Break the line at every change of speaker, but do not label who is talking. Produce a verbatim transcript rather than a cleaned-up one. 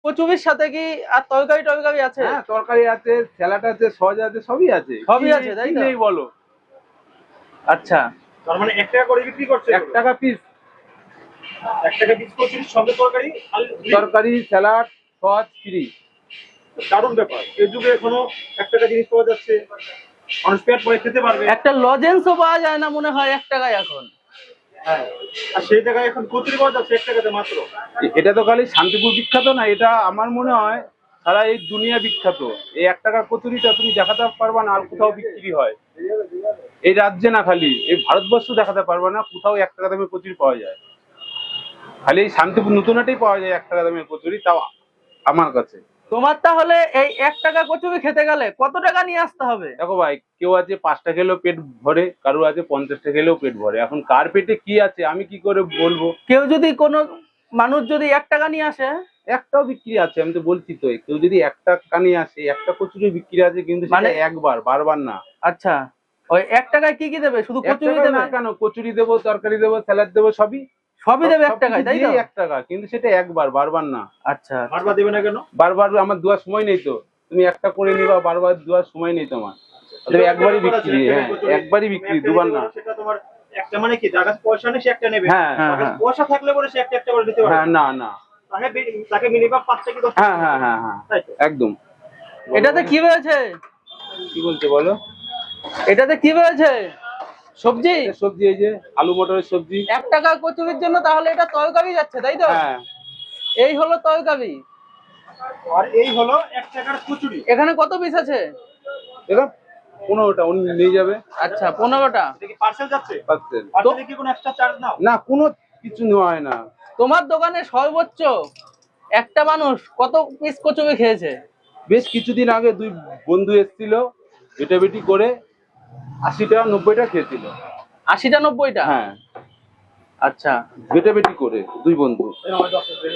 কচুরির সাথে কি আর তরকারি টরকারি আছে?
হ্যাঁ, তরকারি আছে, স্যালাড আছে, সস আছে, সবই আছে।
সবই
কি-
আছে, তাই
কি
তো?
নেই বলো?
আচ্ছা,
তার মানে এক টাকা করে বিক্রি করছে
এক টাকা পিস
এক টাকা পিস কচুরির সঙ্গে তরকারি আর
তরকারি, স্যালাড, সস ফ্রি।
দারুণ ব্যাপার। এই যুগে এখনো এক টাকা জিনিস পাওয়া যাচ্ছে, মানুষ পেট ভরে খেতে পারবে।
একটা লজেন্সও পাওয়া যায় না মনে হয় এক টাকায় এখন।
হ্যাঁ, আর সেই জায়গায় এখন কচুরি পাওয়া যাচ্ছে এক টাকাতে মাত্র।
এটা তো খালি শান্তিপুর বিখ্যাত না, এটা আমার মনে হয় সারা এই দুনিয়া বিখ্যাত। এই এক টাকার কচুরিটা তুমি দেখাতে পারবা না আর কোথাও বিক্রি হয়। এই রাজ্যে না, খালি এই ভারতবর্ষ দেখাতে পারবা না কোথাও এক টাকা দামের কচুরি পাওয়া যায়। খালি এই শান্তিপুর নতুন হাটেই পাওয়া যায় এক টাকা দামের কচুরি, তাও আমার কাছে।
তোমার তাহলে এই এক টাকা কচুরি খেতে গেলে কত টাকা নিয়ে আসতে হবে?
দেখো ভাই, কেউ আছে পাঁচটা খেলেও পেট ভরে, কারো আছে পঞ্চাশটা খেলেও পেট ভরে। এখন কার পেটে কি আছে আমি কি করে বলবো?
কেউ যদি কোনো মানুষ যদি এক টাকা নিয়ে আসে,
একটাও বিক্রি আছে, আমি তো বলছি তো, কেউ যদি একটা কানি আসে একটা কচুরি বিক্রি আছে, কিন্তু
মানে
মানে একবার, বারবার না।
আচ্ছা, ওই এক টাকায় কি কি দেবে? শুধু
এক
কচুরি
টাকায়
দেবে?
না কেন, কচুরি দেবো, তরকারি দেবো, স্যালাড দেবো, সবই
সবই দেবে এক
সবকিছু
টাকায়, তাই তো?
দিয়েই এক টাকা, কিন্তু সেটা একবার, বারবার না।
আচ্ছা,
বারবার দেবে না কেন?
বারবার আমার দেওয়ার সময় নেই তো। তুমি একটা করে নিবা, বারবার দেওয়ার সময় নেই তোমার। তবে একবারই বিক্রি, হ্যাঁ একবারই বিক্রি, দুবার না।
সেটা তোমার একটা মানে কি, যার কাছে পয়সা নেই সে একটা নেবে,
হ্যাঁ,
যার কাছে
হ্যাঁ।
পয়সা থাকলে পরে সে একটা একটা করে দিতে পারে।
হ্যাঁ, না না,
তাকে বে- তাকে মিনিমাম পাঁচটা কি দশটা
হ্যাঁ হ্যাঁ হ্যাঁ হ্যাঁ
তাই তো?
একদম।
এটাতে কি রয়েছে?
কি বলছে বলো?
এটাতে কি রয়েছে? সবজি?
এটা সবজি, এই যে আলু মটরের সবজি।
এক টাকা কচুরির জন্য তাহলে এটা তরকারি যাচ্ছে, তাই তো?
হ্যাঁ,
এই হলো তরকারি।
আর এই হলো এক টাকার কচুরি।
এখানে কত পিস আছে?
দেখো পনেরোটা উনি নিয়ে যাবে।
আচ্ছা, পনেরোটা।
এটা কি পার্সেল যাচ্ছে?
পাচ্ছেন
পার্সেলে কি কোনো এক্সট্রা চার্জ নাও?
না, কোনো কিছু নেওয়া হয় না।
তোমার দোকানে সর্বোচ্চ একটা মানুষ কত পিস কচুরি খেয়েছে?
বেশ কিছুদিন আগে দুই বন্ধু এসেছিল, বেটাবেটি করে আশিটা নব্বইটা খেয়েছিল।
আশিটা নব্বইটা?
হ্যাঁ,
আচ্ছা,
বেটাবেটি করে দুই বন্ধু।